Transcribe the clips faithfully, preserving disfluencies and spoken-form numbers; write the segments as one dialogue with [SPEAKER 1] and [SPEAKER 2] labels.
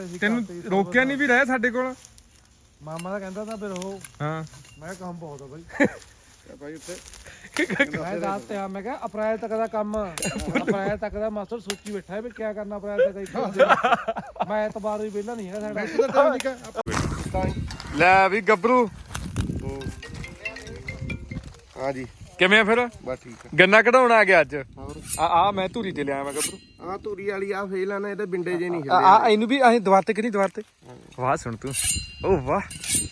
[SPEAKER 1] ਤੈਨੂੰ ਰੋਕਿਆ ਨਹੀਂ ਵੀ ਰਹਿ ਸਾਡੇ ਕੋਲ
[SPEAKER 2] ਮਾਮਾ ਦਾ ਕਹਿੰਦਾ ਤਾਂ ਫਿਰ ਉਹ
[SPEAKER 1] ਹਾਂ
[SPEAKER 2] ਮੈਂ ਕੰਮ ਬਹੁਤ ਆ ਬਾਈ ਬਾਈ ਉੱਤੇ ਮੈਂ ਦੱਸ ਤੇ ਆ ਮੈਂ ਕਿਹਾ ਅਪ੍ਰੈਲ ਤੱਕ ਦਾ ਕੰਮ ਅਪ੍ਰੈਲ ਤੱਕ ਦਾ ਮਾਸਟਰ ਸੋਚੀ ਬੈਠਾ ਹੈ ਵੀ ਕੀ ਕਰਨਾ ਅਪ੍ਰੈਲ ਤੱਕ ਮੈਂ ਐਤਵਾਰ ਵੀ ਵਿਹਲਾ ਨਹੀਂ ਹੈਗਾ ਸਾਡਾ
[SPEAKER 1] ਲੈ ਵੀ ਗੱਭਰੂ
[SPEAKER 3] ਹਾਂ ਜੀ
[SPEAKER 1] ਕਿਵੇਂ ਫਿਰ
[SPEAKER 3] ਬਸ ਠੀਕ ਆ
[SPEAKER 1] ਗੰਨਾ ਕਢਾਉਣ ਆ ਗਿਆ ਅੱਜ
[SPEAKER 3] ਹੋਰ
[SPEAKER 1] ਆ ਆ ਮੈਂ ਧੂਰੀ ਤੇ ਲਿਆ ਮੈਂ ਗੱਭਰੂ
[SPEAKER 3] ਆ ਧੂਰੀ ਵਾਲੀ ਆ ਫੇਲ ਆ ਨਾ ਇਹਦੇ ਬਿੰਡੇ ਜੇ ਨਹੀਂ
[SPEAKER 1] ਆ ਆ ਇਹਨੂੰ ਵੀ ਅਸੀਂ ਦੁਆਰ ਤੇ ਕਿ ਨਹੀਂ ਦੁਆਰ ਤੇ ਵਾਹ ਸੁਣ ਤੂੰ ਓ ਵਾਹ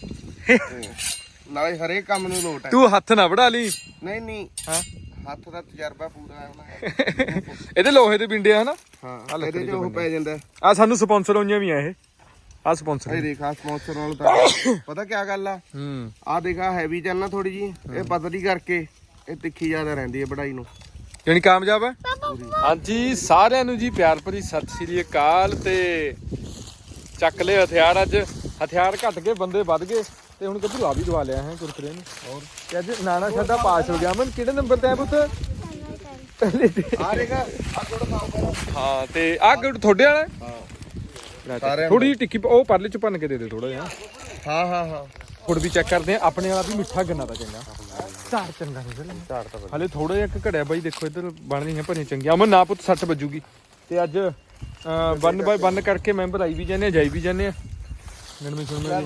[SPEAKER 3] ਨਾਲੇ ਹਰੇਕ ਕੰਮ ਨੂੰ ਲੋਟ ਹੈ
[SPEAKER 1] ਤੂੰ ਹੱਥ ਨਾ ਵੜਾ ਲਈ
[SPEAKER 3] ਨਹੀਂ ਨਹੀਂ
[SPEAKER 1] ਹਾਂ
[SPEAKER 3] ਹੱਥ ਦਾ ਤਜਰਬਾ ਪੂਰਾ ਹੈ
[SPEAKER 1] ਇਹਦੇ ਲੋਹੇ ਦੇ ਬਿੰਡੇ ਆ ਹਨਾ
[SPEAKER 3] ਹਾਂ ਇਹਦੇ ਚ ਉਹ ਪੈ ਜਾਂਦਾ
[SPEAKER 1] ਆ ਸਾਨੂੰ ਸਪਾਂਸਰ ਹੋਈਆਂ ਵੀ ਆ ਇਹ ਆ ਸਪਾਂਸਰ
[SPEAKER 3] ਇਹ ਦੇਖਾ ਸਪਾਂਸਰ ਨਾਲ ਤਾਂ ਪਤਾ ਕੀ ਗੱਲ ਆ
[SPEAKER 1] ਹੂੰ
[SPEAKER 3] ਆ ਦੇਖਾ ਹੈਵੀ ਚੱਲਣਾ ਥੋੜੀ ਜੀ ਇਹ ਪਤਲੀ ਕਰਕੇ ਇਹ ਤਿੱਖੀ ਜ਼ਿਆਦਾ ਰਹਿੰਦੀ ਹੈ ਵਢਾਈ ਨੂੰ
[SPEAKER 1] ਯਾਨੀ ਕਾਮਯਾਬ ਹੈ ਹਾਂਜੀ ਸਾਰਿਆਂ ਨੂੰ ਜੀ ਪਿਆਰ ਭਰੀ ਸਤਿ ਸ੍ਰੀ ਅਕਾਲ ਤੇ ਚੱਕ ਲਏ ਹਥਿਆਰ ਅੱਜ ਹਥਿਆਰ ਘਟ ਗਏ ਬੰਦੇ ਵੱਧ ਗਏ ਤੇ ਹੁਣ ਗੱਭਰੂ ਆ ਵੀ ਦਵਾ ਲਿਆ ਹੈ ਕੁਰਕਰੇ ਨੂੰ ਹੋਰ ਤੇ ਅੱਜ ਨਾਨਾ ਸਾਡਾ ਪਾਸ ਹੋ ਗਿਆ ਮਨ ਕਿਹੜੇ ਨੰਬਰ ਤੇ ਆ ਪੁੱਤ ਪਹਿਲੇ ਤੇ
[SPEAKER 3] ਆ ਦੇਖਾ ਆ ਗੁੜ ਖਾਓ
[SPEAKER 1] ਹਾਂ ਤੇ ਆ ਗੁੜ ਤੁਹਾਡੇ ਵਾਲਾ
[SPEAKER 3] ਸਾਰਿਆਂ
[SPEAKER 1] ਥੋੜੀ ਜਿਹੀ ਟਿੱਕੀ ਉਹ ਪਰਲੇ ਚ ਭੰਨ ਕੇ ਦੇ ਦੇ ਥੋੜਾ ਜਿਹਾ
[SPEAKER 3] ਹਾਂ ਹਾਂ ਹਾਂ
[SPEAKER 1] ਗੁੜ ਵੀ ਚੈੱਕ ਕਰਦੇ ਆ ਆਪਣੇ ਵਾਲਾ ਵੀ ਮਿੱਠਾ ਗੰਨਾ ਦਾ ਚੰਗਾ ਝਾੜ ਚੰਗਾ ਨਿਕਲ ਝਾੜ ਤਾਂ ਹਲੇ ਥੋੜਾ ਜਿਹਾ ਇੱਕ ਘੜਿਆ ਬਾਈ ਦੇਖੋ ਇੱਧਰ ਬਣਦੀਆਂ ਭਰੀਆਂ ਚੰਗੀਆਂ ਅਮਨ ਨਾ ਪੁੱਤ ਸੱਟ ਵੱਜੂਗੀ ਤੇ ਅੱਜ ਬੰਨ ਬਾਈ ਬੰਨ ਕਰਕੇ ਮੈਂਬਰ ਆਈ ਵੀ ਜਾਂਦੇ ਆ ਜਾਈ ਵੀ ਜਾਂਦੇ ਆ ਗਣਮੀ ਸੁਣਮੇ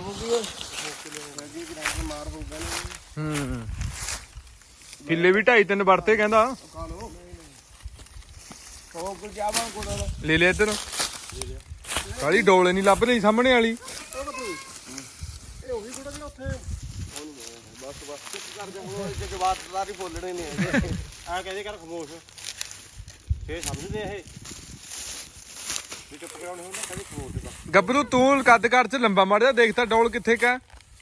[SPEAKER 1] ਹੂੰ ਕਿੱਲੇ ਵੀ ਢਾਈ ਤਿੰਨ ਵਰਤੇ ਕਹਿੰਦਾ ਲੈ ਲੈ ਇੱਧਰ ਕਾਲੀ ਡੋਲੇ ਨਹੀਂ ਲੱਭ ਰਹੀ ਸਾਹਮਣੇ ਵਾਲੀ
[SPEAKER 3] ਇਹ ਉਹੀ ਗੁੜ ਜਿਹੜਾ ਉੱਥੇ ਬਸ ਬਸ ਚੁੱਪ ਕਰ ਜਾ ਹੁਣ ਇਹ ਜਵਾਬ ਸਾਰੀ ਬੋਲਣੇ ਨੇ
[SPEAKER 2] ਆ ਕਹਿੰਦੇ ਕਰ ਖਮੋਸ਼ ਫੇਰ ਸਮਝਦੇ ਇਹ ਵੀ ਚੁੱਪ ਕਰਾਉਣੇ ਹੁੰਦਾ ਕਹਿੰਦੇ ਖਮੋਸ਼ ਦਾ
[SPEAKER 1] ਗੱਭਰੂ ਤੂੰ ਕੱਦ ਘਰ ਚ ਲੰਬਾ ਮਾਰਿਆ ਦੇਖਤਾ ਡੋਲ ਕਿੱਥੇ ਕਾ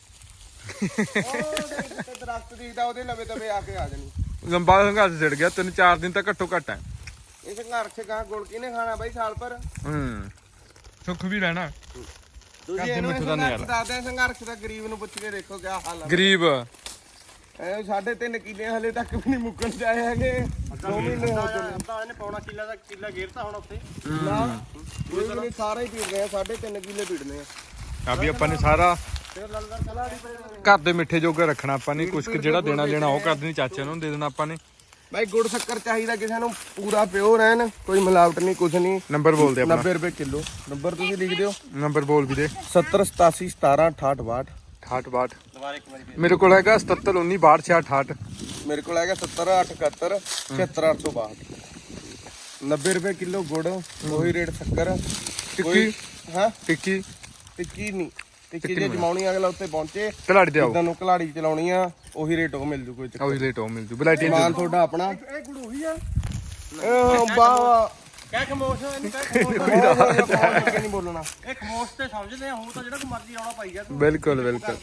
[SPEAKER 3] ਉਹ ਦਰਖਤ ਦੀਦਾ ਉਹਦੇ ਲਵੇ ਤਵੇ ਆ ਕੇ ਆ ਜਾਣੀ
[SPEAKER 1] ਲੰਬਾ ਸੰਘਰਸ਼ ਛਿੜ ਗਿਆ ਤਿੰਨ ਚਾਰ ਦਿਨ ਤਾਂ ਘੱਟੋ ਘੱਟ ਹੈ
[SPEAKER 3] ਇਹ ਸੰਘਰਸ਼ ਗਾਂ ਗੁੜ ਕਿਹਨੇ ਖਾਣਾ ਬਾਈ ਸਾਲ ਪਰ
[SPEAKER 1] ਹੂੰ ਸੁੱਖ ਵੀ ਰਹਿਣਾ
[SPEAKER 3] ਤੁਸੀਂ ਇਹਨੂੰ ਸੰਘਰਸ਼ ਦੱਸਦੇ ਸੰਘਰਸ਼ ਦਾ ਗਰੀਬ ਨੂੰ ਪੁੱਛ ਕੇ ਦੇਖੋ ਕਿਆ ਹਾਲ ਆ
[SPEAKER 1] ਗਰੀਬ
[SPEAKER 3] ਐ ਸਾਢੇ ਤਿੰਨ ਕਿੱਲੇ ਹਲੇ ਤੱਕ ਵੀ ਨਹੀਂ ਮੁੱਕਣ ਚਾਹੇ ਹੈਗੇ ਦੋ ਮਹੀਨੇ ਹੋ ਚੁੱਕੇ
[SPEAKER 2] ਤਾਂ ਇਹਨੇ ਪੌਣਾ ਕਿੱਲਾ ਦਾ ਕਿੱਲਾ ਗੇਰਤਾ ਹੁਣ ਉੱਥੇ
[SPEAKER 3] ਨਾ ਕੋਈ ਵੀ ਨਹੀਂ ਸਾਰਾ ਹੀ ਪੀੜ ਗਏ ਸਾਢੇ ਤਿੰਨ ਕਿੱਲੇ ਪੀੜਨੇ ਆ
[SPEAKER 1] ਆ ਵੀ ਆਪਾਂ ਨੇ ਸਾਰਾ
[SPEAKER 2] ਫਿਰ ਲਲਦਰ ਕਲਾੜੀ ਪਏ
[SPEAKER 1] ਘਰ ਦੇ ਮਿੱਠੇ ਜੋਗਾ ਰੱਖਣਾ ਆਪਾਂ ਨੇ ਕੁਛ ਜਿਹੜਾ ਦੇਣਾ ਲੈਣਾ ਉਹ ਕਰ ਦੇਣੀ ਚਾਚੇ ਨੂੰ ਦੇ ਦੇਣਾ ਆਪਾਂ ਨੇ
[SPEAKER 3] ਬਾਈ ਗੁੜ ਸ਼ੱਕਰ ਚਾਹੀਦਾ ਕਿਸੇ ਨੂੰ ਪੂਰਾ ਪਿਓਰ ਐਨ ਕੋਈ ਮਿਲਾਵਟ ਨਹੀਂ ਕੁਛ ਨਹੀਂ
[SPEAKER 1] ਨੰਬਰ ਬੋਲ ਦੇ ਆਪਣਾ
[SPEAKER 3] ਨੱਬੇ ਰੁਪਏ ਕਿਲੋ ਨੰਬਰ ਤੁਸੀਂ ਲਿਖ ਦਿਓ
[SPEAKER 1] ਨੰਬਰ ਬੋਲ ਵੀ ਦੇ
[SPEAKER 3] ਸੱਤਰ ਸਤਾਸੀ ਸਤਾਰਾਂ ਅਠਾਹਠ ਬਾਹਠ
[SPEAKER 1] ਅਠਾਹਠ ਬਾਹਠ
[SPEAKER 2] ਦੁਬਾਰਾ ਇੱਕ ਵਾਰੀ
[SPEAKER 1] ਮੇਰੇ ਕੋਲ ਹੈਗਾ ਸਤੱਤਰ ਉੱਨੀ ਬਾਹਠ ਛਿਆਹਠ ਅਠਾਹਠ
[SPEAKER 3] ਮੇਰੇ ਕੋਲ ਹੈਗਾ ਸੱਤਰ ਅੱਠ ਇਕਹੱਤਰ ਛਿਹੱਤਰ ਅੱਠ ਸੌ ਬਾਹਠ ਨੱਬੇ ਰੁਪਏ ਕਿਲੋ ਗੁੜ ਉਹੀ ਰੇਟ ਸ਼ੱਕਰ
[SPEAKER 1] ਟਿੱਕੀ
[SPEAKER 3] ਹਾਂ
[SPEAKER 1] ਟਿੱਕੀ
[SPEAKER 3] ਟਿੱਕੀ ਨਹੀਂ ਟਿੱਕੀ ਜੇ ਜਮਾਉਣੀ ਅਗਲਾ ਉੱਤੇ ਪਹੁੰਚੇ
[SPEAKER 1] ਕਲਾੜੀ ਤੇ ਆਓ
[SPEAKER 3] ਜਿੱਦਾਂ ਨੂੰ ਕਲਾੜੀ ਚਲਾਉਣੀ ਆ ਉਹੀ ਰੇਟ ਉਹ ਮਿਲ ਜੂ ਕੋਈ ਚੱਕਰ
[SPEAKER 1] ਉਹੀ ਲੇਟ ਹੋ ਮਿਲ ਜੂ ਬਲੈਟੀ
[SPEAKER 3] ਸਮਾਨ ਤੁਹਾਡਾ ਆਪਣਾ
[SPEAKER 2] ਇਹ ਗੁੜ ਉਹੀ ਆ
[SPEAKER 3] ਇਹ ਬਾ
[SPEAKER 2] ਕਹਿ ਖਮੋਸ਼ ਇਹਨੂੰ ਕਹਿ ਖਮੋਸ਼
[SPEAKER 3] ਨਹੀਂ ਬੋਲਣਾ
[SPEAKER 2] ਇਹ ਖਮੋਸ਼ ਤੇ ਸਮਝਦੇ ਆ ਹੁਣ ਤਾਂ ਜਿਹੜਾ ਕੋ ਮਰਜ਼ੀ ਆਉਣਾ ਪਾਈ ਗਿਆ ਤੂੰ
[SPEAKER 1] ਬਿਲਕੁਲ ਬਿਲਕੁਲ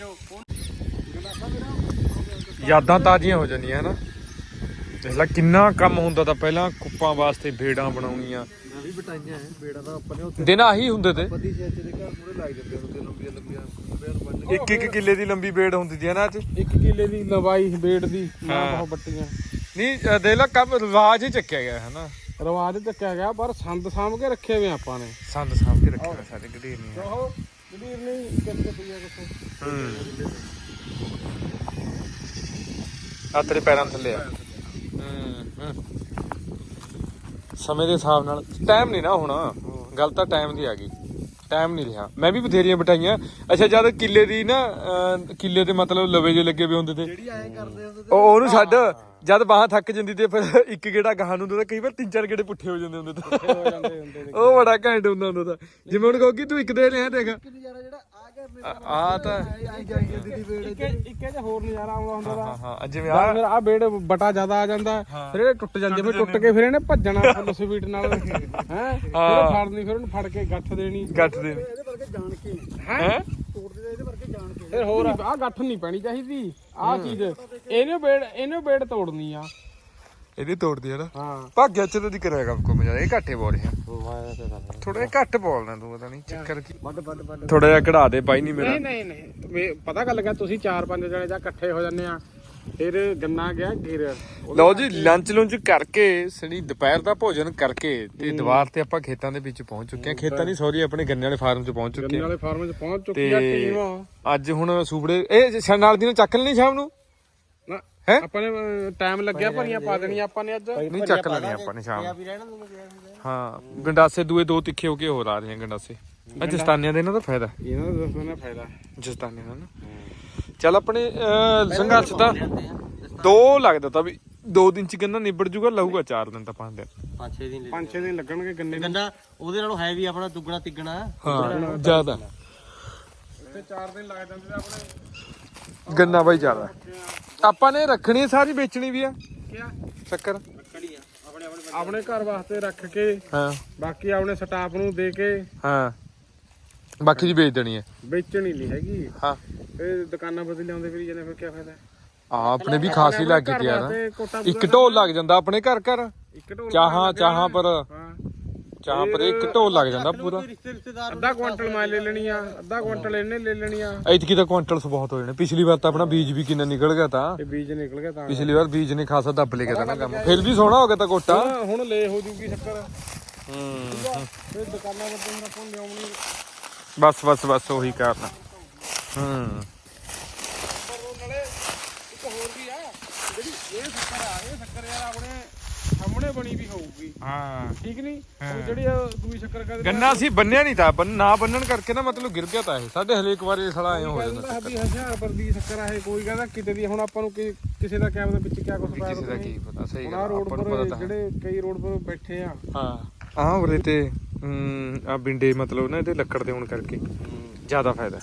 [SPEAKER 1] ਯਾਦਾਂ ਤਾਜ਼ੀਆਂ ਹੋ ਜਾਂਦੀਆਂ ਹਨਾ ਦੇਖ ਲੈ ਕਿੰਨਾ ਕੰਮ ਹੁੰਦਾ ਤਾਂ ਪਹਿਲਾਂ ਕੁੱਪਾਂ ਵਾਸਤੇ ਭੇੜਾਂ ਬਣਾਉਣੀਆਂ
[SPEAKER 2] ਵੀ ਬਟਾਈਆਂ ਬੇੜਾ ਤਾਂ ਆਪਾਂ ਨੇ ਉੱਥੇ
[SPEAKER 1] ਦਿਨ ਆਹੀ ਹੁੰਦੇ ਤੇ
[SPEAKER 2] ਪਤੀ ਛੇ ਦੇ ਘਰ ਮੂਰੇ ਲੱਗ ਜਾਂਦੇ ਹੁੰਦੇ ਲੰਬੀਆਂ ਲੰਬੀਆਂ ਬੇੜ ਬੰਨ
[SPEAKER 1] ਇੱਕ ਇੱਕ ਕਿੱਲੇ ਦੀ ਲੰਬੀ ਬੇੜ ਹੁੰਦੀ ਸੀ ਨਾ ਅੱਜ
[SPEAKER 2] ਇੱਕ ਕਿੱਲੇ ਦੀ ਲੰਬਾਈ ਬੇੜ ਦੀ ਨਾ ਬਹੁਤ ਬੱਟੀਆਂ
[SPEAKER 1] ਨਹੀਂ ਦੇਖ ਲੈ ਕੰਮ ਰਿਵਾਜ ਹੀ ਚੱਕਿਆ ਗਿਆ ਹਨਾ
[SPEAKER 2] ਰਵਾਜ ਚੱਕਿਆ ਗਿਆ ਪਰ ਸੰਦ ਸਾਂਭ ਕੇ ਰੱਖੇ ਹੋਏ ਆਪਾਂ ਨੇ
[SPEAKER 1] ਸੰਦ ਸਾਂਭ ਕੇ ਰੱਖਿਆ ਸਾਡੇ ਗਢੀਰ ਨਹੀਂ
[SPEAKER 2] ਉਹ ਗਡੀਰ ਨਹੀਂ ਕਿੱਥੇ ਪਈਆ ਕਿੱਥੇ
[SPEAKER 1] ਹੂੰ ਆ ਤੇਰੇ ਪੈਰਾਂ ਥੱਲੇ ਆ ਹੂੰ ਸਮੇਂ ਦੇ ਹਿਸਾਬ ਨਾਲ ਟਾਈਮ ਨਹੀਂ ਨਾ ਹੁਣ ਗੱਲ ਤਾਂ ਟਾਈਮ ਦੀ ਆ ਗਈ ਟਾਈਮ ਨਹੀਂ ਰਿਹਾ ਮੈਂ ਵੀ ਬਥੇਰੀਆਂ ਬਿਠਾਈਆਂ ਅੱਛਾ ਜਦ ਕਿੱਲੇ ਦੀ ਨਾ ਕਿੱਲੇ ਤੇ ਮਤਲਬ ਲਵੇ ਜੇ ਲੱਗੇ ਵੇ ਹੁੰਦੇ ਤੇ
[SPEAKER 2] ਜਿਹੜੀ ਐਂ ਕਰਦੇ ਹੁੰਦੇ
[SPEAKER 1] ਉਹ ਉਹਨੂੰ ਛੱਡ ਜਦ ਬਾਹਾਂ ਥੱਕ ਜਾਂਦੀ ਤੇ ਫਿਰ ਇੱਕ ਗੇੜਾ ਗਾਹਾਂ ਨੂੰ ਹੁੰਦਾ ਕਈ ਵਾਰ ਤਿੰਨ ਚਾਰ ਗੇੜੇ ਪੁੱਠੇ ਹੋ ਜਾਂਦੇ ਹੁੰਦੇ ਤਾਂ
[SPEAKER 2] ਹੋ ਜਾਂਦੇ ਹੁੰਦੇ ਨੇ
[SPEAKER 1] ਉਹ ਬੜਾ ਘੈਂਟ ਹੁੰਦਾ ਹੁੰਦਾ ਤਾਂ ਜਿਵੇਂ ਹੁਣ ਕਹੋਗੀ ਤੂੰ ਇੱਕ ਦੇ ਰਿਹਾ ਦੇਖ
[SPEAKER 2] ਨਜ਼ਾਰਾ ਜਿਹੜਾ ਆ ਗਿਆ
[SPEAKER 1] ਆ ਤਾਂ
[SPEAKER 2] ਆਈ ਜਾਂਦੀ ਦੀ ਬੇੜ ਇੱਕ ਇੱਕ ਜੇ ਹੋਰ ਨਜ਼ਾਰਾ ਆਉਂਦਾ ਹੁੰਦਾ ਦਾ
[SPEAKER 1] ਹਾਂ ਹਾਂ ਜਿਵੇਂ
[SPEAKER 2] ਆ
[SPEAKER 1] ਆ
[SPEAKER 2] ਫਿਰ ਆ ਬੇੜ ਬਟਾ ਜ਼ਿਆਦਾ ਆ ਜਾਂਦਾ ਫਿਰ ਇਹ ਟੁੱਟ ਜਾਂਦੇ ਫਿਰ ਟੁੱਟ ਕੇ ਫਿਰ ਇਹਨੇ ਭੱਜਣਾ ਫੁੱਲ ਸਪੀਡ ਨਾਲ ਹੈ ਫਿਰ ਫੜਨੀ ਫਿਰ ਉਹਨੂੰ ਫੜ ਕੇ ਗੱਠ ਦੇਣੀ
[SPEAKER 1] ਗੱਠ ਦੇ
[SPEAKER 2] ਇਹਦੇ ਵਰਗੇ ਜਾਣ ਕੇ
[SPEAKER 1] ਹੈ
[SPEAKER 2] ਤੋੜਦੇ ਇਹਦੇ ਵਰਗੇ ਜਾਣ ਕੇ ਫਿਰ ਹੋਰ ਆ ਗੱਠ ਨਹੀਂ ਪੈਣੀ ਚਾਹੀਦੀ ਆ ਚੀਜ਼ ਇਹਨੇ ਬੇੜ ਇਹਨੇ ਬੇੜ ਤੋੜਨੀ ਆ
[SPEAKER 1] ਇਹਦੀ ਤੋੜਦੀ ਹੈ ਨਾ
[SPEAKER 2] ਹਾਂ
[SPEAKER 1] ਭਾਗਿਆ ਚਲੋ ਦੀ ਕਰਿਆ ਕੰਮ ਕੋ ਇਹ ਘੱਟੇ ਬੋਲ ਰਿਹਾ ਥੋੜਾ ਜਿਹਾ ਘੱਟ ਬੋਲਣਾ ਤੂੰ ਪਤਾ ਨਹੀਂ ਚੱਕਰ ਕੀ
[SPEAKER 2] ਵੱਡ ਵੱਡ ਵੱਡ
[SPEAKER 1] ਥੋੜਾ ਜਿਹਾ ਕਢਾ ਦੇ ਬਾਈ ਨਹੀਂ ਮੇਰਾ
[SPEAKER 2] ਨਹੀਂ ਨਹੀਂ ਨਹੀਂ ਪਤਾ ਗੱਲ ਕਿ ਤੁਸੀਂ ਚਾਰ ਪੰਜ ਜਣੇ ਜਾਂ ਇਕੱਠੇ ਹੋ ਜਾਂਦੇ ਆ
[SPEAKER 3] ਫਿਰ ਗੰਨਾ ਗਿਆ ਗਿਰ।
[SPEAKER 1] ਲਓ ਜੀ ਲੰਚ ਲੁੰਚ ਕਰਕੇ ਸਣੀ ਦੁਪਹਿਰ ਦਾ ਭੋਜਨ ਕਰਕੇ ਤੇ ਦੀਵਾਰ ਤੇ ਆਪਾਂ ਖੇਤਾਂ ਦੇ ਵਿੱਚ ਪਹੁੰਚ ਚੁੱਕੇ ਹਾਂ। ਖੇਤਾਂ ਨਹੀਂ ਸੌਰੀ ਆਪਣੇ ਗੰਨੇ ਵਾਲੇ ਫਾਰਮ 'ਚ ਪਹੁੰਚ ਚੁੱਕੇ
[SPEAKER 3] ਗੰਨੇ
[SPEAKER 1] ਹਾਂ
[SPEAKER 3] ਵਾਲੇ ਫਾਰਮ 'ਚ ਪਹੁੰਚ ਚੁੱਕੀ ਆ
[SPEAKER 1] ਤੇ
[SPEAKER 3] ਟੀਮ।
[SPEAKER 1] ਅੱਜ ਹੁਣ ਸੂਬੜੇ ਇਹ ਛ- ਨਾਲ ਦੀ ਨਾਲ ਚੱਕ ਲੈਣੀ ਸ਼ਾਮ ਨੂੰ
[SPEAKER 3] ਨਾ
[SPEAKER 1] ਹੈਂ?
[SPEAKER 3] ਆਪਾਂ ਨੇ ਟਾਈਮ ਲੱਗਿਆ ਭਰੀਆਂ ਪਾ ਦੇਣੀਆਂ ਆਪਾਂ ਨੇ ਅੱਜ।
[SPEAKER 1] ਨਹੀਂ ਚੱਕ ਲੈਣੀ ਆਪਾਂ ਨੇ ਸ਼ਾਮ ਨੂੰ। ਹਾਂ ਗੰਡਾਸੇ ਦੂਏ ਦੋ ਤਿੱਖੇ ਹੋ ਕੇ ਹੋਰ ਆ ਰਹੇ ਆ ਗੰਡਾਸੇ। ਅੱਜ ਜਸਤਾਨੀਆਂ ਦੇ ਇਹਨਾਂ ਦਾ ਫਾਇਦਾ
[SPEAKER 3] ਇਹਨਾਂ ਦਾ ਦੱਸੋ ਨਾ ਫਾਇਦਾ।
[SPEAKER 1] ਜਸਤਾਨੀਆਂ ਦਾ ਨਾ ਚੱਲ ਆਪਣੇ ਅਹ, ਸੰਘਰਸ਼ ਤਾਂ ਦੋ ਲੱਗਦਾ ਤਾਂ ਵੀ ਦੋ ਦਿਨ ਚ ਗੰਨਾ ਨਿਬੜ ਜੂਗਾ, ਲਾਊਗਾ ਚਾਰ ਦਿਨ ਤਾਂ ਪੰਜ ਦਿਨ
[SPEAKER 4] ਪੰਜ ਛੇ ਦਿਨ
[SPEAKER 3] ਪੰਜ ਛੇ ਦਿਨ ਲੱਗਣਗੇ ਗੰਨੇ ਨੂੰ।
[SPEAKER 4] ਗੰਨਾ ਉਹਦੇ ਨਾਲੋਂ ਹੈ ਵੀ ਆਪਣਾ ਦੁੱਗਣਾ ਤਿੱਗਣਾ।
[SPEAKER 1] ਹਾਂ ਜ਼ਿਆਦਾ
[SPEAKER 3] ਤੇ ਚਾਰ ਦਿਨ ਲੱਗ ਜਾਂਦੇ ਆਪਣੇ।
[SPEAKER 1] ਗੰਨਾ ਬਾਈ ਜ਼ਿਆਦਾ ਆਪਾਂ ਨੇ ਰੱਖਣੀ ਸਾਰੀ ਵੇਚਣੀ ਵੀ ਆ
[SPEAKER 3] ਕਿਆ
[SPEAKER 1] ਸ਼ੱਕਰ
[SPEAKER 4] ਰੱਖੜੀ ਆ ਆਪਣੇ ਆਪਣੇ
[SPEAKER 3] ਆਪਣੇ ਘਰ ਵਾਸਤੇ ਰੱਖ ਕੇ
[SPEAKER 1] ਹਾਂ
[SPEAKER 3] ਬਾਕੀ ਆਪਣੇ ਸਟਾਫ ਨੂੰ ਦੇ ਕੇ
[SPEAKER 1] ਹਾਂ ਬਾਕੀ ਦੀ ਵੇਚ ਦੇਣੀ ਹੈ।
[SPEAKER 3] ਵੇਚਣੀ ਨਹੀਂ ਹੈਗੀ।
[SPEAKER 1] ਹਾਂ
[SPEAKER 3] ਇਹ ਦੁਕਾਨਾਂ ਬਦਲ ਲਿਆਉਂਦੇ ਫਿਰ ਜਾਂਦੇ ਫਿਰ ਕੀ ਫਾਇਦਾ।
[SPEAKER 1] ਆ ਆਪਣੇ ਵੀ ਖਾਸੀ ਲੱਗ
[SPEAKER 3] ਘਰ
[SPEAKER 1] ਗਿਆ ਨਾ
[SPEAKER 3] ਵਾਸਤੇ ਕੋਟਾ
[SPEAKER 1] ਇੱਕ ਢੋਲ ਲੱਗ ਜਾਂਦਾ ਆਪਣੇ ਘਰ ਘਰ
[SPEAKER 3] ਇੱਕ ਢੋਲ
[SPEAKER 1] ਚਾਹਾਂ ਚਾਹਾਂ ਪਰ
[SPEAKER 3] ਹਾਂ
[SPEAKER 1] ਚਾਹਾਂ ਪਰ ਇੱਕ ਢੋਲ ਲੱਗ ਜਾਂਦਾ ਪੂਰਾ।
[SPEAKER 4] ਰਿਸ਼ਤੇ ਰਿਸ਼ਤੇਦਾਰ
[SPEAKER 3] ਅੱਧਾ ਕੁਆਂਟਲ ਮੈਂ ਲੈ ਲੈਣੀ ਆ, ਅੱਧਾ ਕੁਆਂਟਲ ਇਹਨੇ ਲੈ ਲੈਣੀ ਆ।
[SPEAKER 1] ਐਤਕੀ ਤਾਂ ਕੁਆਂਟਲਸ ਬਹੁਤ ਹੋ ਜਾਣੇ। ਪਿਛਲੀ ਵਾਰ ਤਾਂ ਆਪਣਾ ਬੀਜ ਵੀ ਕਿੰਨਾ ਨਿਕਲ ਗਿਆ ਤਾਂ
[SPEAKER 3] ਤੇ ਬੀਜ ਨਿਕਲ ਗਿਆ ਤਾਂ
[SPEAKER 1] ਪਿਛਲੀ ਵਾਰ ਬੀਜ ਨੇ ਖਾਸਾ ਦੱਬ ਲਿਆ ਤਾਂ ਨਾ ਕੰਮ। ਫਿਰ ਵੀ ਸੋਹਣਾ ਹੋ ਗਿਆ ਤਾਂ ਕੋਟਾ।
[SPEAKER 3] ਹੁਣ- ਹੁਣ ਲੈ ਹੋ ਜੂਗੀ ਸ਼ੱਕਰ।
[SPEAKER 1] ਹੂੰ
[SPEAKER 3] ਫਿਰ ਦੁਕਾਨਾਂ ਵੱਲੋਂ ਹੁਣ ਆਪਾਂ ਲਿਆਉਣੀ।
[SPEAKER 1] ਬਸ ਬਸ ਬਸ ਉਹੀ ਕਰਨਾ। ਹੂੰ
[SPEAKER 3] ਪਰ ਨਾਲੇ ਇੱਕ ਹੋਰ ਵੀ ਆ ਜਿਹੜੀ ਇਹ ਸ਼ੱਕਰ ਆ, ਇਹ ਸ਼ੱਕਰ ਯਾਰ ਆਪਣੇ ਸਾਹਮਣੇ ਬਣੀ ਵੀ ਹੋਊਗੀ।
[SPEAKER 1] ਹਾਂ
[SPEAKER 3] ਠੀਕ ਨਹੀਂ ਉਹ ਜਿਹੜੀ ਆ ਦੂਈ ਸ਼ੱਕਰ ਕਰਦੇ
[SPEAKER 1] ਗੰਨਾ ਸੀ ਬੰਨਿਆ ਨਹੀਂ ਤਾਂ ਬੰਨ ਨਾ ਬੰਨਣ ਕਰਕੇ ਨਾ ਮਤਲਬ ਗਿਰ ਗਿਆ ਤਾਂ ਇਹ ਸਾਡੇ ਹਲੇ ਇੱਕ ਵਾਰ ਇਹ ਸਾਲਾ ਐਂ ਹੋ ਜਾਂਦਾ
[SPEAKER 3] ਕਹਿੰਦਾ ਵੀ ਹਜ਼ਾਰ ਪਰ ਦੀ ਸ਼ੱਕਰ ਆ ਇਹ। ਕੋਈ ਕਹਿੰਦਾ ਕਿਤੇ ਦੀ। ਹੁਣ ਆਪਾਂ ਨੂੰ ਕੀ ਕਿਸੇ ਦਾ ਕਿਆ ਪਤਾ ਵਿੱਚ ਕਿਆ ਕੁਝ ਪਾਇਆ
[SPEAKER 1] ਕਿਸੇ ਦਾ ਕੀ ਪਤਾ। ਸਹੀ
[SPEAKER 3] ਹੁਣ
[SPEAKER 1] ਗੱਲ
[SPEAKER 3] ਆਹ ਰੋਡ
[SPEAKER 1] ਆਪਾਂ ਨੂੰ
[SPEAKER 3] ਪਰ
[SPEAKER 1] ਪਤਾ ਤਾਂ ਹੈ।
[SPEAKER 3] ਜਿਹੜੇ ਕਈ ਰੋਡ ਪਰ ਬੈਠੇ ਆ।
[SPEAKER 1] ਹਾਂ ਆਹ ਉਰੇ ਤੇ ਆ ਬਿੰਡੇ ਮਤਲਬ ਨਾ ਇਹਦੇ ਲੱਕੜ ਦੇ ਹੋਣ ਕਰਕੇ ਜ਼ਿਆਦਾ ਫਾਇਦਾ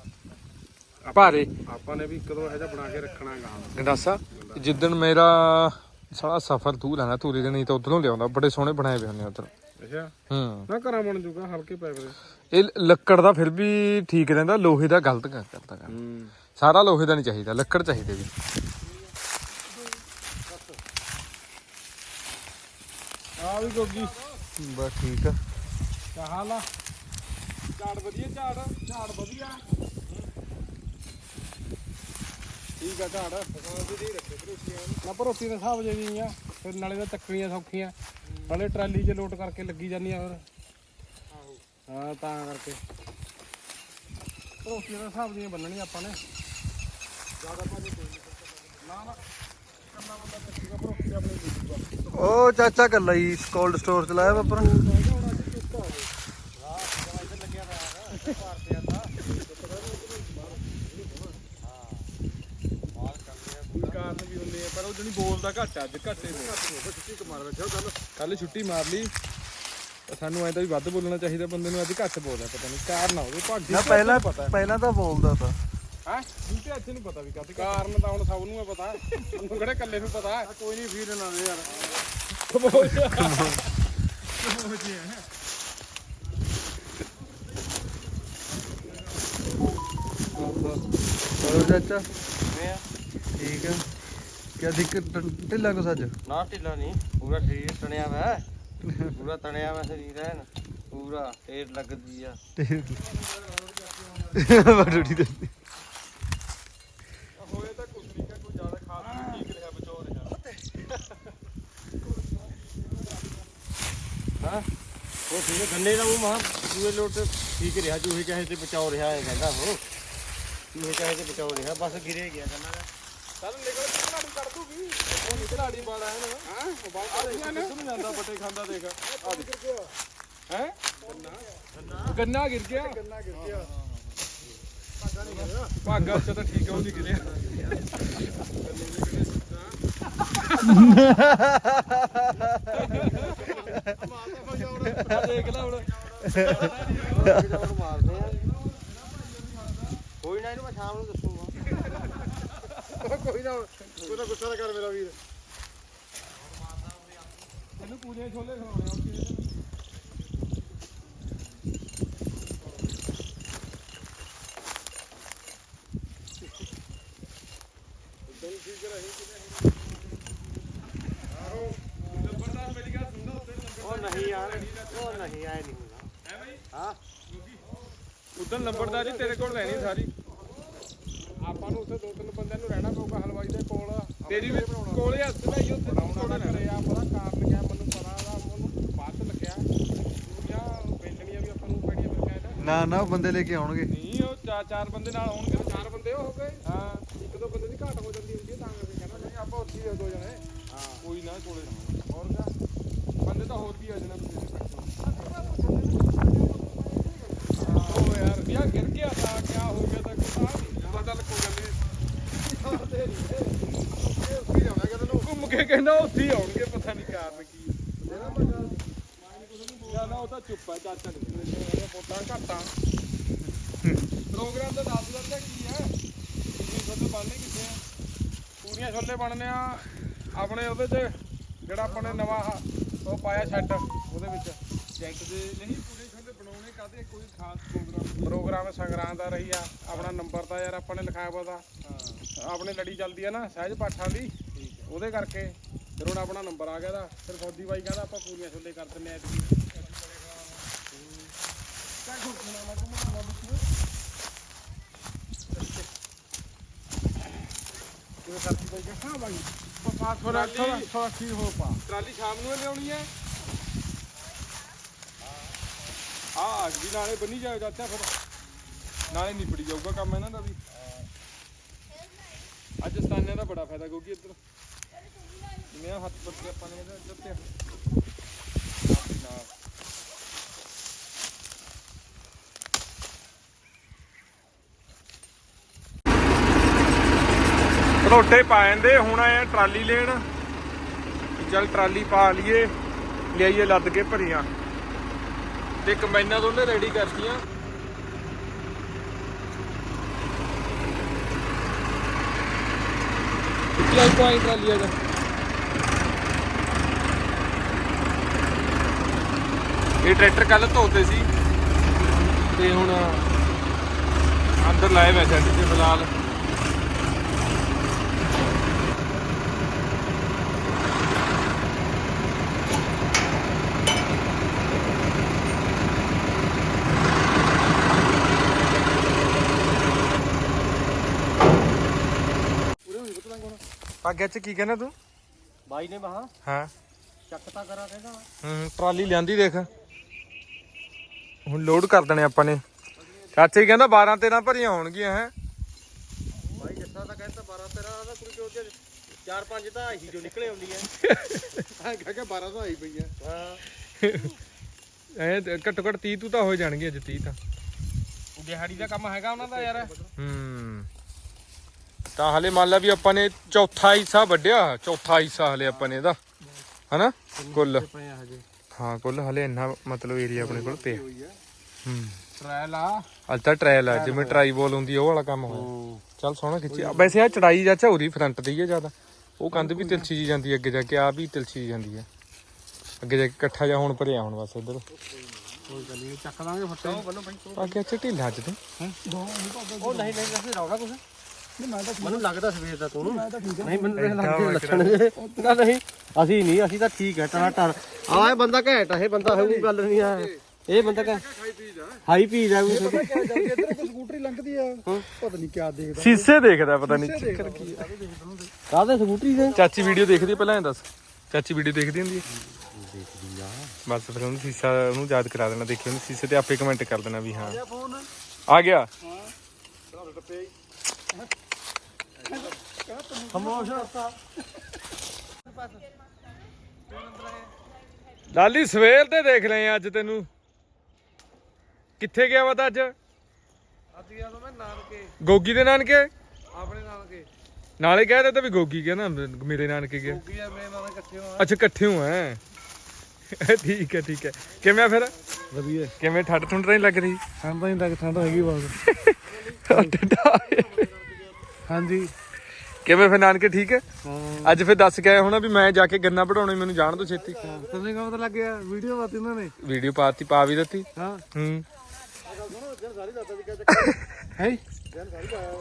[SPEAKER 1] ਭਾਰੇ।
[SPEAKER 3] ਆਪਾਂ ਨੇ ਵੀ ਇੱਕ ਦੋ ਇਹੋ ਜਿਹਾ ਬਣਾ ਕੇ ਰੱਖਣਾ ਹੈਗਾ।
[SPEAKER 1] ਗੰਡਾਸਾ ਜਿੱਦਣ ਮੇਰਾ ਸਾਲਾ ਸਫ਼ਰ ਤੂੰ ਲੈਣਾ ਤੂਰੀ ਦੇ ਨਹੀਂ ਤਾਂ ਉਧਰੋਂ ਲਿਆਉਂਦਾ। ਬੜੇ ਸੋਹਣੇ ਬਣਾਏ ਪਏ ਹੁੰਦੇ ਉਧਰ।
[SPEAKER 3] ਅੱਛਾ
[SPEAKER 1] ਹੂੰ
[SPEAKER 3] ਨਾ ਘਰਾਂ ਬਣ ਜੂਗਾ ਹਲਕੇ ਪੈ ਪਏ।
[SPEAKER 1] ਇਹ ਲੱਕੜ ਦਾ ਫਿਰ ਵੀ ਠੀਕ ਰਹਿੰਦਾ, ਲੋਹੇ ਦਾ ਗਲਤ ਕਰਦਾ ਗਾ।
[SPEAKER 3] ਹੂੰ
[SPEAKER 1] ਸਾਰਾ ਲੋਹੇ ਦਾ ਨਹੀਂ ਚਾਹੀਦਾ, ਲੱਕੜ ਚਾਹੀਦੇ ਵੀ।
[SPEAKER 3] ਆ ਵੀ ਗੋਗੀ
[SPEAKER 1] ਬਸ ਠੀਕ ਆ।
[SPEAKER 3] ਕਿਆ ਹਾਲ ਆ? ਝਾੜ ਵਧੀਆ ਝਾੜ ਝਾੜ ਵਧੀਆ ਠੀਕ ਆ ਝਾੜ। ਨਾ ਭਰੋਸੀ ਦੇ ਹਿਸਾਬ ਜੇ ਵੀ ਆ। ਫਿਰ ਨਾਲੇ ਤਾਂ ਚੱਕਣੀਆਂ ਸੌਖੀਆਂ, ਨਾਲੇ ਟਰਾਲੀ 'ਚ ਲੋਡ ਕਰਕੇ ਲੱਗੀ ਜਾਂਦੀਆਂ ਫਿਰ। ਹਾਂ ਤਾਂ ਕਰਕੇ ਭਰੋਸੀ ਦੇ ਹਿਸਾਬ ਦੀਆਂ ਬੰਨਣੀਆਂ ਆਪਾਂ ਨੇ। ਜ਼ਿਆਦਾ ਭਾਜੀ ਕੋਈ ਨਹੀਂ। ਨਾ ਨਾ ਕੱਲਾ ਬੰਦਾ ਚੱਕੂਗਾ ਭਰੋਸੀ ਆਪਣੇ ਦੂਜੂਗਾ।
[SPEAKER 2] ਉਹ ਚਾਚਾ ਕੱਲਾ ਹੀ ਕੋਲਡ ਸਟੋਰ ਚਲਾਇਆ ਵਾਪਰ।
[SPEAKER 3] ਕਾਰਨ ਵੀ ਹੁੰਦੇ ਆ ਪਰ ਉਹ ਜਿਹੜੀ ਬੋਲਦਾ ਘੱਟ ਅੱਜ ਘੱਟੇ ਛੁੱਟੀ ਮਾਰ ਬੈਠਾ ਕੱਲ ਕੱਲ ਛੁੱਟੀ ਮਾਰ ਲਈ। ਸਾਨੂੰ ਐਂ ਤਾਂ ਵੀ ਵੱਧ ਬੋਲਣਾ ਚਾਹੀਦਾ ਬੰਦੇ ਨੂੰ। ਅੱਜ ਘੱਟ ਬੋਲਦਾ ਪਤਾ ਨਹੀਂ ਕਾਰਨ ਆ ਉਹਦੇ ਭਾਗੀ
[SPEAKER 2] ਨਾ ਪਹਿਲਾਂ ਪਹਿਲਾਂ ਤਾਂ ਬੋਲਦਾ ਤਾਂ
[SPEAKER 3] ਹੈ ਤੇ ਅੱਜ ਨਹੀਂ ਪਤਾ ਵੀ ਕਾਹਦੇ ਕਾਰਨ ਤਾਂ ਹੁਣ ਸਭ ਨੂੰ ਹੈ ਪਤਾ। ਮੈਨੂੰ ਕਿਹੜੇ ਇਕੱਲੇ ਨੂੰ ਪਤਾ। ਕੋਈ ਨਹੀਂ ਫੀਲ ਨਾ ਦੇ ਯਾਰ।
[SPEAKER 2] ਚਲੋ ਚਾਚਾ ਠੀਕ ਆ। ਕਿਆ ਦਿੱਕਤ ਢਿੱਲਾ ਕੁਛ ਅੱਜ?
[SPEAKER 4] ਨਾ ਢਿੱਲਾ ਨਹੀਂ, ਪੂਰਾ ਸਰੀਰ ਤਣਿਆ ਵਾ। ਪੂਰਾ ਤਣਿਆ ਵਾ ਸਰੀਰ ਹੈ ਨਾ ਪੂਰਾ। ਢੇਰ ਲੱਗਦੀ ਆ
[SPEAKER 2] ਬੜੀ ਦੇ
[SPEAKER 3] ਹੋਏ ਤਾਂ ਕੁਝ ਨਹੀਂ ਕੋਈ ਜ਼ਿਆਦਾ ਖਾਸ ਨਹੀਂ ਠੀਕ ਰਿਹਾ ਬਚੋ ਰਿਹਾ।
[SPEAKER 4] ਹਾਂ ਉਹ ਠੀਕ ਹੈ। ਗੰਨੇ ਦਾ ਉਹ ਮਹਾ ਦੂਏ ਲੋਟ ਠੀਕ ਰਿਹਾ। ਚੂਹੇ ਚਾਹੇ ਤੇ ਬਚਾਓ ਰਿਹਾ ਹੈ ਕਹਿੰਦਾ ਉਹ। ਚੂਹੇ ਚਾਹੇ ਤੇ ਬਚਾਓ ਰਿਹਾ, ਬਸ ਗਿਰੇ ਗਿਆ ਗੰਨਾ ਦਾ।
[SPEAKER 3] ਚੱਲ ਨਿਕਲ ਕੇ ਖਿਲਾੜੀ ਕੱਢ ਦੂਗੀ। ਉਹ ਨਿਕਲਾੜੀ ਬਾੜਾ ਹੈ ਨਾ। ਹਾਂ ਉਹ ਬਾੜਾ ਕਿੱਥੋਂ ਜਾਂਦਾ ਬੱਟੇ ਖਾਂਦਾ ਦੇਖ। ਆ ਦੇਖ ਹੈ ਗੰਨਾ ਗੰਨਾ ਗਿਰ ਗਿਆ। ਗੰਨਾ ਗਿਰ ਗਿਆ। ਭਾਗਾ ਨਹੀਂ ਗਿਰਿਆ। ਭਾਗਾ ਚ ਤਾਂ ਠੀਕ ਆ ਉਹ ਨਹੀਂ ਗਿਰਿਆ। ਦੇਖ ਲੈ ਹੁਣ
[SPEAKER 4] ਮਾਰਦੇ ਆ। ਕੋਈ ਨਾ ਇਹਨੂੰ ਮੈਂ ਸ਼ਾਮ ਨੂੰ ਦੱਸੂਗਾ।
[SPEAKER 3] ਕੋਈ ਨਾ ਕੋਈ ਨਾ ਗੁੱਸਾ ਨਾ ਕਰ ਮੇਰਾ ਵੀਰ। ਇਹਨੂੰ ਪੂਰੇ ਛੋਲੇ ਖਵਾਉਣੇ ਆ।
[SPEAKER 4] ਉਹ ਨਹੀਂ ਯਾਰ, ਉਹ ਨਹੀਂ ਆਏ ਨਹੀਂ ਹੁੰਦਾ ਹੈ ਭਾਈ। ਹਾਂ
[SPEAKER 3] ਉਦੋਂ ਲੰਬੜਦਾਰੀ ਤੇਰੇ ਕੋਲ ਲੈਣੀ ਸਾਰੀ। ਆਪਾਂ ਨੂੰ ਉੱਥੇ ਦੋ ਤਿੰਨ ਬੰਦਿਆਂ ਨੂੰ ਰਹਿਣਾ ਪਊਗਾ ਹਲਵਾਈ ਦੇ ਕੋਲ ਤੇਰੀ ਵੀ ਕੋਲੇ ਹੱਥ ਲਾਈ ਉੱਥੇ ਬਣਾਉਣਾ ਕਰੇ ਆ ਪਤਾ ਕਾਰਨ ਕਿਆ ਮੈਨੂੰ ਪਤਾ ਦਾ ਉਹਨੂੰ ਬਾਅਦ ਚ ਲੱਗਿਆ ਪੂਰੀਆਂ ਵੇਚਣੀਆਂ ਵੀ ਆਪਾਂ ਨੂੰ ਪੈਣੀਆਂ ਫਿਰ ਕਹਿੰਦਾ
[SPEAKER 5] ਨਾ ਨਾ ਉਹ ਬੰਦੇ ਲੈ ਕੇ ਆਉਣਗੇ
[SPEAKER 3] ਨਹੀਂ ਉਹ ਚਾਰ ਚਾਰ ਬੰਦੇ ਨਾਲ ਆਉਣਗੇ ਚਾਰ ਬੰਦੇ ਹੋ ਗਏ ਹਾਂ ਇੱਕ ਦੋ ਬੰਦੇ ਦੀ ਘਾਟ ਹੋ ਜਾਂਦੀ ਹੁੰਦੀ ਹੈ ਤਾਂ ਕਰਕੇ ਕਹਿੰਦਾ ਨਹੀਂ ਆਪਾਂ ਉੱਥੇ ਹੀ ਦੋ ਜਣੇ ਹਾਂ ਕੋਈ ਨਾ ਕੋਲੇ ਨਾ ਹੋਰ ਕਿਆ ਬੰਦੇ ਤਾਂ ਹੋਰ ਵੀ ਆ ਜਾਣਾ ਉਹ ਯਾਰ ਵਿਆਹ ਗਿਰ ਗਿਆ ਤਾਂ ਕਿਆ ਹੋ ਗਿਆ ਤਾਂ ਕੋਈ ਪਤਾ ਲੱਗੋ ਗੱਲ ਨਹੀਂ ਘੁੰਮ ਕੇ ਕਹਿੰਦਾ ਉੱਥੇ ਹੀ ਆਉਣਗੇ ਪਤਾ ਨਹੀਂ ਕਾਰਨ ਕੀ ਹੈ ਨਾ ਉਹ ਤਾਂ ਚੁੱਪ ਹੈ ਚਾਚਾ ਨਹੀਂ ਵੋਟਾਂ ਘਾਟਾਂ ਪ੍ਰੋਗਰਾਮ ਦਾ ਦੱਸ ਦਿੰਦਾ ਕੀ ਹੈ ਪੂਰੀਆਂ ਛੋਲੇ ਬਣਨੇ ਕਿੱਥੇ ਆ ਪੂਰੀਆਂ ਛੋਲੇ ਬਣਨੇ ਆ ਆਪਣੇ ਉਹਦੇ 'ਚ ਜਿਹੜਾ ਆਪਾਂ ਨੇ ਨਵਾਂ ਉਹ ਪਾਇਆ ਸ਼ੈੱਡ ਉਹਦੇ ਵਿੱਚ ਜੈਕਟ ਦੇ ਨਹੀਂ ਪੂਰੇ ਛੋਲੇ ਬਣਾਉਣੇ ਕਾਹਦੇ ਕੋਈ ਖਾਸ ਪ੍ਰੋਗਰਾਮ ਪ੍ਰੋਗਰਾਮ ਸੰਗਰਾਂਦ ਦਾ ਰਹੀ ਆ ਆਪਣਾ ਨੰਬਰ ਤਾਂ ਯਾਰ ਆਪਾਂ ਨੇ ਲਿਖਾਇਆ ਪਤਾ ਹਾਂ ਆਪਣੇ ਲੜੀ ਚੱਲਦੀ ਆ ਨਾ ਸਹਿਜ ਪਾਠਾਂ ਦੀ ਉਹਦੇ ਕਰਕੇ ਫਿਰ ਹੁਣ ਆਪਣਾ ਨੰਬਰ ਆ ਗਿਆ ਦਾ ਫਿਰ ਫੌਜੀ ਬਾਈ ਕਹਿੰਦਾ ਆਪਾਂ ਪੂਰੀਆਂ ਛੋਲੇ ਕਰ ਦਿੰਨੇ ਆ ਐਤਕੀ ਕੋਈ ਸਾਥੀ ਬਾਈ ਕਹਿੰਦਾ ਹਾਂ ਬਾਈ ਪਾ ਥੋੜਾ ਥੋੜਾ ਥੋੜਾ ਠੀਕ ਹੋ ਪਾ ਟਰਾਲੀ ਸ਼ਾਮ ਨੂੰ ਲਿਆਉਣੀ ਹੈ ਆ ਅਗਲੀ ਨਾਲੇ ਬੰਨੀ ਜਾਓ ਚਾਚਾ ਫਿਰ ਨਾਲੇ ਨਿਪੜੀ ਜਾਊਗਾ ਕੰਮ ਇਹਨਾਂ ਦਾ ਵੀ ਅੱਜ ਸਤਾਨਿਆਂ ਦਾ ਬੜਾ ਫਾਇਦਾ ਕਿਉਂਕਿ ਇੱਧਰ ਜਿਵੇਂ ਹੱਥ ਪੱਤੇ ਆਪਾਂ ਨੇ ਇਹਦੇ ਇੱਧਰ ਤੇ ਨਾਲ ਰੋਟੇ ਪਾ ਜਾਂਦੇ ਹੁਣ ਆਏ ਟਰਾਲੀ ਲੈਣ ਚੱਲ ਟਰਾਲੀ ਪਾ ਲਈਏ ਲਿਆਈਏ ਲੱਦ ਕੇ ਭਰੀਆਂ ਤੇ ਕੰਬਾਈਨਾਂ ਦੋਨੇ ਰੈਡੀ ਕਰਤੀਆਂ ਕਿੱਥੇ ਆਈ ਪਾਈ ਟਰਾਲੀ ਆ ਜਾ ਇਹ ਟਰੈਕਟਰ ਕੱਲ ਧੋਤੇ ਸੀ ਤੇ ਹੁਣ ਅੰਦਰ ਲਾਏ ਹੋਏ ਸੈੱਟ ਤੇ ਫਿਲਹਾਲ ਅੱਗੇ ਚ ਕੀ ਕਹਿੰਦਾ ਤੂੰ
[SPEAKER 4] ਬਾਈ ਨੇ ਮਹਾ
[SPEAKER 1] ਹਾਂ
[SPEAKER 4] ਚੱਕਤਾ ਕਰਾ ਕਹਿੰਦਾ
[SPEAKER 1] ਹੂੰ ਟਰਾਲੀ ਲਿਆਂਦੀ ਦੇਖ ਹੁਣ ਲੋਡ ਕਰ ਦੇਣੇ ਆਪਾਂ ਨੇ ਚਾਚੇ ਹੀ ਕਹਿੰਦਾ ਬਾਰਾਂ ਤੇਰਾਂ ਭਰੀਆਂ ਹੋਣਗੀਆਂ ਹੈ
[SPEAKER 4] ਬਾਈ ਜੱਸਾ ਤਾਂ ਕਹਿੰਦਾ ਬਾਰਾਂ ਤੇਰਾਂ ਦਾ ਕੋਈ ਜੋ ਚਾਰ ਪੰਜ ਤਾਂ ਆਹੀ ਜੋ ਨਿਕਲੇ ਆਉਂਦੀ ਹੈ
[SPEAKER 5] ਹਾਂ ਕਹਿ ਕੇ ਬਾਰਾਂ ਸੌ ਆਈ ਪਈ ਆ
[SPEAKER 4] ਹਾਂ
[SPEAKER 1] ਐ ਘੱਟੋ ਘੱਟ ਤੀਹ ਤੂੰ ਤਾਂ ਹੋ ਜਾਣਗੇ ਅੱਜ ਤੀਹ ਤਾਂ
[SPEAKER 3] ਦਿਹਾੜੀ ਦਾ ਕੰਮ ਹੈਗਾ ਉਹਨਾਂ ਦਾ ਯਾਰ
[SPEAKER 1] ਹੂੰ ਤਾਂ ਹਲੇ ਮੰਨ ਲਾ ਵੀ ਆਪਾਂ ਨੇ ਚੌਥਾ ਹਿੱਸਾ ਵੱਢਿਆ ਚੌਥਾ ਹਿੱਸਾ ਹਲੇ ਆਪਾਂ ਨੇ ਇਹਦਾ ਹਨਾ ਕੁੱਲ ਹਾਂ ਕੁੱਲ ਹਲੇ ਇੰਨਾ ਮਤਲਬ ਏਰੀਆ ਆਪਣੇ ਕੋਲ ਪਿਆ ਹੂੰ
[SPEAKER 3] ਟ੍ਰਾਇਲ ਆ
[SPEAKER 1] ਅੱਜ ਤਾਂ ਟ੍ਰਾਇਲ ਆ ਜਿਵੇਂ ਟਰਾਈ ਬੋਲ ਹੁੰਦੀ ਉਹ ਵਾਲਾ ਕੰਮ ਹੋਇਆ ਚੱਲ ਸੋਹਣਾ ਖਿੱਚੀ ਵੈਸੇ ਆ ਚੜਾਈ ਚਾਚਾ ਉਹਦੀ ਫਰੰਟ ਦੀ ਹੈ ਜ਼ਿਆਦਾ ਉਹ ਕੰਧ ਵੀ ਤਿਲਛੀ ਜੀ ਜਾਂਦੀ ਅੱਗੇ ਜਾ ਕੇ ਆ ਵੀ ਤਿਲਛੀ ਜਾਂਦੀ ਹੈ ਅੱਗੇ ਜਾ ਕੇ ਇਕੱਠਾ ਜਾ ਹੁਣ ਭਰਿਆ ਹੁਣ ਬਸ ਇੱਧਰ
[SPEAKER 3] ਕੋਈ ਗੱਲ ਨਹੀਂ ਚੱਕ ਦਾਂਗੇ ਫੱਟੇ ਉਹ ਬੰਨੋ ਬਾਈ
[SPEAKER 1] ਅੱਗੇ ਅੱਛਾ ਢਿੱਲਾ ਅੱਜ ਤੇ
[SPEAKER 4] ਉਹ ਨਹੀਂ ਨਹੀਂ ਵੈਸੇ ਰੌਲਾ ਕੁਛ
[SPEAKER 2] ਨਹੀਂ ਮੈਂ ਤਾਂ
[SPEAKER 4] ਮੈਨੂੰ ਲੱਗਦਾ ਸਵੇਰ ਦਾ ਤੂੰ
[SPEAKER 2] ਮੈਂ ਤਾਂ ਠੀਕ ਆ
[SPEAKER 4] ਨਹੀਂ ਮੈਨੂੰ ਲੱਗਦੇ ਲੱਛਣ ਨਾ ਨਹੀਂ ਅਸੀਂ ਨਹੀਂ ਅਸੀਂ ਤਾਂ ਠੀਕ ਹੈ ਟਰ ਟਰ ਆ ਇਹ ਬੰਦਾ ਘੈਂਟ ਆ ਇਹ ਬੰਦਾ ਹੋਊ ਗੱਲ ਨਹੀਂ ਆ ਇਹ ਬੰਦਾ ਘੈਂਟ ਹਾਈ ਪੀ ਜਾ ਕੋਈ
[SPEAKER 2] ਇੱਧਰ ਇੱਕ ਸਕੂਟਰੀ ਲੰਘਦੀ ਆ ਪਤਾ ਨਹੀਂ ਕਿਆ ਦੇਖਦਾ
[SPEAKER 1] ਸੀਸੇ ਦੇਖਦਾ ਪਤਾ ਨਹੀਂ ਚੱਕਰ ਕੀ ਆ
[SPEAKER 4] ਕਾਹਦੇ ਸਕੂਟਰੀ ਦੇ
[SPEAKER 1] ਚਾਚੀ ਵੀਡੀਓ ਦੇਖਦੀ ਪਹਿਲਾਂ ਇਹ ਦੱਸ ਚਾਚੀ ਵੀਡੀਓ ਦੇਖਦੀ ਹੁੰਦੀ ਹੈ ਦੇਖਦੀ ਆ ਬਸ ਫਿਰ ਉਹਨੂੰ ਸੀਸਾ ਉਹਨੂੰ ਯਾਦ ਕਰਾ ਦੇਣਾ ਦੇਖੀ ਉਹਨੂੰ ਸੀਸੇ ਤੇ ਆਪੇ ਕਮੈਂਟ ਕਰ ਦੇਣਾ ਵੀ ਹਾਂ ਆ ਗਿਆ ਲਾਲੀ ਸਵੇਰ ਤੇ ਦੇਖ ਲਏ ਅੱਜ ਤੈਨੂੰ ਕਿੱਥੇ ਗਿਆ ਵਾ ਤਾਂ ਅੱਜ
[SPEAKER 2] ਅੱਜ ਗਿਆ ਤਾਂ ਮੈਂ ਨਾਨਕੇ
[SPEAKER 1] ਗੋਗੀ ਦੇ ਨਾਨਕੇ
[SPEAKER 2] ਆਪਣੇ ਨਾਨਕੇ
[SPEAKER 1] ਨਾਲੇ ਕਹਿ ਦਿੱਤਾ ਵੀ ਗੋਗੀ ਗਿਆ ਨਾ ਮੇਰੇ ਨਾਨਕੇ ਗਿਆ
[SPEAKER 2] ਕੀ ਆ ਮੇਰੇ ਨਾਲ ਇਕੱਠੇ ਹੋਣਾ
[SPEAKER 1] ਅੱਛਾ ਇਕੱਠੇ ਹੋ ਐ ਠੀਕ ਹੈ ਠੀਕ ਹੈ ਕਿਵੇਂ ਫਿਰ
[SPEAKER 2] ਵਧੀਆ
[SPEAKER 1] ਕਿਵੇਂ ਠੱਡ ਠੁੰਡ ਨਹੀਂ ਲੱਗ ਰਹੀ
[SPEAKER 2] ਠੰਡ ਤਾਂ ਨਹੀਂ ਲੱਗ ਠੰਡ ਹੈਗੀ ਬਹੁਤ ਹਾਂਜੀ
[SPEAKER 1] ਕਿਵੇਂ ਫਿਰ ਨਾਨਕੇ ਠੀਕ ਹੈ
[SPEAKER 2] ਹਾਂ
[SPEAKER 1] ਅੱਜ ਫਿਰ ਦੱਸ ਕੇ ਆਇਆ ਹੋਣਾ ਵੀ ਮੈਂ ਜਾ ਕੇ ਗੰਨਾ ਵਢਾਉਣਾ ਮੈਨੂੰ ਜਾਣ ਦੋ ਛੇਤੀ
[SPEAKER 2] ਤੈਨੂੰ ਕਾ ਪਤਾ ਲੱਗ ਗਿਆ ਵੀਡੀਓ ਪਾਤੀ ਉਹਨਾਂ ਨੇ
[SPEAKER 1] ਵੀਡੀਓ ਪਾਤੀ ਪਾ ਵੀ ਦਿੱਤੀ
[SPEAKER 2] ਹਾਂ
[SPEAKER 1] ਹੂੰ
[SPEAKER 2] ਹੈ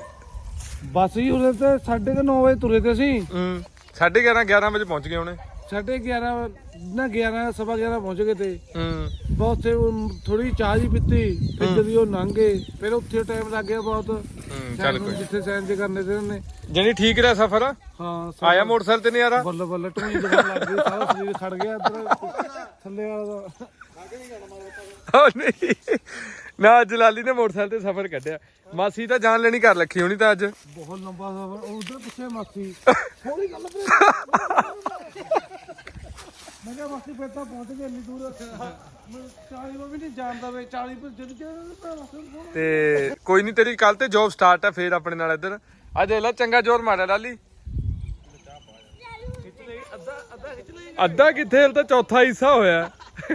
[SPEAKER 2] ਬਸ ਹੀ ਉਹਦੇ ਤੇ ਸਾਢੇ ਕੁ ਨੌ ਵਜੇ ਤੁਰੇ ਤੇ ਸੀ
[SPEAKER 1] ਹੂੰ ਸਾਢੇ ਗਿਆਰਾਂ ਗਿਆਰਾਂ ਵਜੇ ਪਹੁੰਚ ਗਏ ਹੁਣੇ
[SPEAKER 2] ਸਾਢੇ ਗਿਆਰਾਂ ਨਾ ਗਿਆਰਾਂ ਸਵਾ ਗਿਆਰਾਂ ਪਹੁੰਚ ਗਏ ਤੇ
[SPEAKER 1] ਹੂੰ
[SPEAKER 2] ਬਹੁਤ ਉੱਥੇ ਥੋੜੀ ਚਾਹ ਜੀ ਪੀਤੀ ਫਿਰ ਜਦੋਂ ਉਹ ਲੰਘੇ ਫਿਰ ਉੱਥੇ ਟਾਈਮ ਲੱਗ ਗਿਆ ਬਹੁਤ
[SPEAKER 1] ਹੂੰ ਚੱਲ
[SPEAKER 2] ਸੈਨ ਨੂੰ
[SPEAKER 1] ਕੋਈ
[SPEAKER 2] ਜਿੱਥੇ ਸੈਨ ਜੇ ਕਰਨੇ ਤੇ ਉਹਨੇ
[SPEAKER 1] ਜਣੀ ਠੀਕ ਰਿਹਾ ਸਫ਼ਰ
[SPEAKER 2] ਹਾਂ
[SPEAKER 1] ਆਇਆ ਮੋਟਰਸਾਈਕਲ ਤੇ ਨਹੀਂ ਆ ਰਹਾ
[SPEAKER 2] ਬੱਲੇ ਬੱਲੇ ਟੂਈ ਜਗ੍ਹਾ ਲੱਗ ਗਈ ਸਾਰਾ ਸਰੀਰ ਖੜ ਗਿਆ ਇੱਧਰ ਥੱਲੇ ਵਾਲਾ ਦਾ
[SPEAKER 1] ਉਹ ਨਹੀਂ ਨਾ ਅੱਜ ਲਾਲੀ ਨੇ ਮੋਟਰਸਾਈਕਲ ਤੇ ਸਫ਼ਰ ਕੱਢਿਆ ਮਾਸੀ ਤਾਂ ਜਾਨ ਲੈਣੀ ਕਰ ਰੱਖੀ ਹੋਣੀ ਤਾਂ ਅੱਜ
[SPEAKER 2] ਬਹੁਤ ਲੰਬਾ ਸਫ਼ਰ ਉਧਰ ਪਿੱਛੇ ਮਾਸੀ ਥੋੜੀ ਗੱਲ ਮੈਂ ਕਿਹਾ ਮਾਸੀ ਫਿਰ ਤਾਂ ਪਹੁੰਚ ਗਏ ਇੰਨੀ ਦੂਰ ਚਾਲੀ ਵੀ ਨਹੀਂ ਜਾਣਦਾ ਵੇ ਚਾਲੀ ਪਰ ਜਦ ਕਿ
[SPEAKER 1] ਤੇ ਕੋਈ ਨਹੀਂ ਤੇਰੀ ਕੱਲ ਤੇ ਜੌਬ ਸਟਾਰਟ ਆ ਫੇਰ ਆਪਣੇ ਨਾਲ ਇੱਧਰ ਅੱਜ ਇਹਲਾ ਚੰਗਾ ਜ਼ੋਰ ਮਾਰਿਆ ਲਾਲੀ ਅੱਧਾ ਕਿੱਥੇ ਹਲ ਤਾਂ ਚੌਥਾ ਹਿੱਸਾ ਹੋਇਆ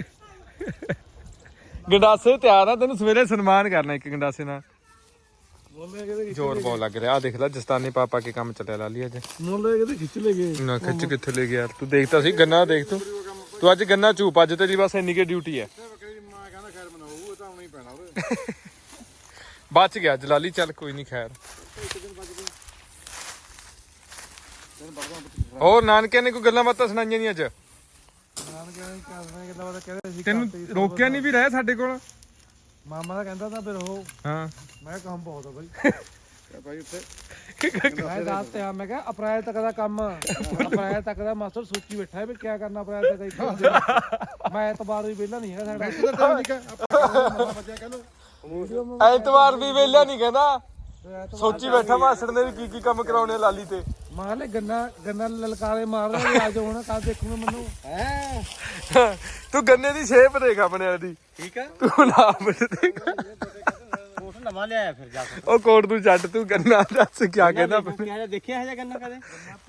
[SPEAKER 1] ਗੰਡਾਸੇ ਤਿਆਰ ਆ ਤੈਨੂੰ ਸਵੇਰੇ ਸਨਮਾਨ ਕਰਨਾ ਇੱਕ ਗੰਡਾਸੇ ਨਾਲ
[SPEAKER 2] ਮੋਲੇ ਕਿਤੇ
[SPEAKER 1] ਜ਼ੋਰ ਬਹੁਤ ਲੱਗ ਰਿਹਾ ਆ ਦੇਖ ਲੈ ਜਸਤਾਨੀ ਪਾਪਾ ਕੇ ਕੰਮ ਚੱਲਿਆ ਲਾਲੀ ਅੱਜ
[SPEAKER 2] ਮੋਲੇ ਕਿਤੇ ਖਿੱਚ ਲੈ ਗਏ
[SPEAKER 1] ਨਾ ਖਿੱਚ ਕਿੱਥੇ ਲੈ ਗਿਆ ਯਾਰ ਤੂੰ ਦੇਖਤਾ ਸੀ ਗੰਨਾ ਦੇਖ ਤੂੰ ਤੂੰ ਅੱਜ ਗੰਨਾ ਝੂਪ ਅੱਜ ਤੇਰੀ ਬਸ ਇੰਨੀ ਕੇ ਡਿਊਟੀ ਹੈ
[SPEAKER 5] ਮੈਂ ਕਹਿੰਦਾ ਖੈਰ ਬਣਾਉ ਇਹ ਤਾਂ ਆਉਣਾ ਹੀ ਪੈਣਾ ਉਹਦੇ
[SPEAKER 1] ਬਚ ਗਿਆ ਜਲਾਲੀ ਚੱਲ ਕੋਈ ਨਹੀਂ ਖੈਰ ਹੋਰ ਨਾਨਕੇ ਨੇ ਕੋਈ ਗੱਲਾਂ ਬਾਤਾਂ ਸੁਣਾਈਆਂ ਨਹੀਂ ਅੱਜ
[SPEAKER 2] ਨਾਨ ਕਹਿੰਦੇ ਕਰਦੇ ਕਿਦਾਂ ਉਹਦਾ ਕਹਿੰਦੇ ਸੀ
[SPEAKER 1] ਤੈਨੂੰ ਰੋਕਿਆ ਨਹੀਂ ਵੀ ਰਹਿ ਸਾਡੇ ਕੋਲ
[SPEAKER 2] ਮਾਮਾ ਦਾ ਕਹਿੰਦਾ ਤਾਂ ਫਿਰ ਉਹ
[SPEAKER 1] ਹਾਂ
[SPEAKER 2] ਮੈਂ ਕੰਮ ਬਹੁਤ ਆ ਬਾਈ
[SPEAKER 5] ਤੇ ਭਾਈ ਉੱਥੇ
[SPEAKER 2] ਮੈਂ ਦੱਸ ਤੇ ਆ ਮੈਂ ਕਿਹਾ ਅਪ੍ਰੈਲ ਤੱਕ ਦਾ ਕੰਮ ਅਪ੍ਰੈਲ ਤੱਕ ਦਾ ਮਾਸਟਰ ਸੋਚੀ ਬੈਠਾ ਹੈ ਵੀ ਕੀ ਕਰਨਾ ਅਪ੍ਰੈਲ ਤੱਕ ਹੀ ਮੈਂ ਐਤਵਾਰ ਵੀ ਵਿਹਲਾ ਨਹੀਂ ਹੈਗਾ ਸਾਡਾ
[SPEAKER 5] ਬੱਚਿਆ ਕਹ ਲੋ
[SPEAKER 1] ਐਤਵਾਰ ਵੀ ਵੇਲਿਆ ਨਹੀਂ ਕਹਿੰਦਾ ਸੋਚੀ ਬੈਠਾ ਮਾਸੜ ਨੇ ਵੀ ਕੀ ਕੀ ਕੰਮ ਕਰਾਉਣੇ ਲਾਲੀ ਤੇ
[SPEAKER 2] ਮਾਰ ਲੈ ਗੰਨਾ ਗੰਨਾ ਲਲਕਾਰੇ ਮਾਰ ਰਿਹਾ ਆ ਜਾਓ ਹੁਣ ਕੱਲ ਦੇਖੂਗਾ ਮੈਨੂੰ
[SPEAKER 4] ਹੈ
[SPEAKER 1] ਤੂੰ ਗੰਨੇ ਦੀ ਸ਼ੇਪ ਦੇਖ ਆਪਣੇ ਵਾਲੀ ਦੀ
[SPEAKER 4] ਠੀਕ ਆ
[SPEAKER 1] ਤੂੰ ਨਾਮ ਦੇਖ
[SPEAKER 4] ਕੋਟ ਨਵਾਂ ਲਿਆਇਆ ਫਿਰ ਜਾ ਕੇ
[SPEAKER 1] ਉਹ ਕੋਟ ਤੂੰ ਛੱਡ ਤੂੰ ਗੰਨਾ ਦੱਸ ਕੀ ਕਹਿੰਦਾ
[SPEAKER 4] ਕਿਹਾ ਦੇਖਿਆ ਹੈ ਗੰਨਾ ਕਦੇ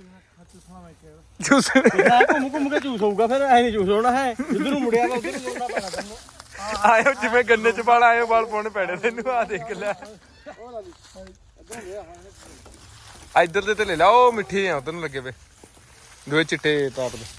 [SPEAKER 1] ਜੂਸ
[SPEAKER 4] ਨਾ ਘੁੰਮ ਘੁੰਮ ਕੇ ਜੂਸ ਹੋਊਗਾ ਫਿਰ ਐ ਨਹੀਂ ਜੂਸ ਹੋਣਾ ਹੈ ਜਿੱਧਰ ਨੂੰ ਮੁੜਿਆ ਵਾ ਉਧਰ ਨੂੰ ਮੁੜਨਾ ਪੈਣਾ ਤੈਨੂੰ
[SPEAKER 1] ਆਇਓ ਜਿਵੇਂ ਗੰਨੇ ਚ ਵਾਲ ਆਇਓ ਵਾਲ ਪਾਉਣੇ ਪੈਣੇ ਤੈਨੂੰ ਆ ਦੇਖ ਲੈ ਇੱਧਰ ਦੇ ਤੇ ਲੈ ਲਾ ਉਹ ਮਿੱਠੇ ਆ ਤੈਨੂੰ ਲੱਗੇ ਵੇ ਦੋਏ ਚਿੱਟੇ ਤਾਪ ਦੇ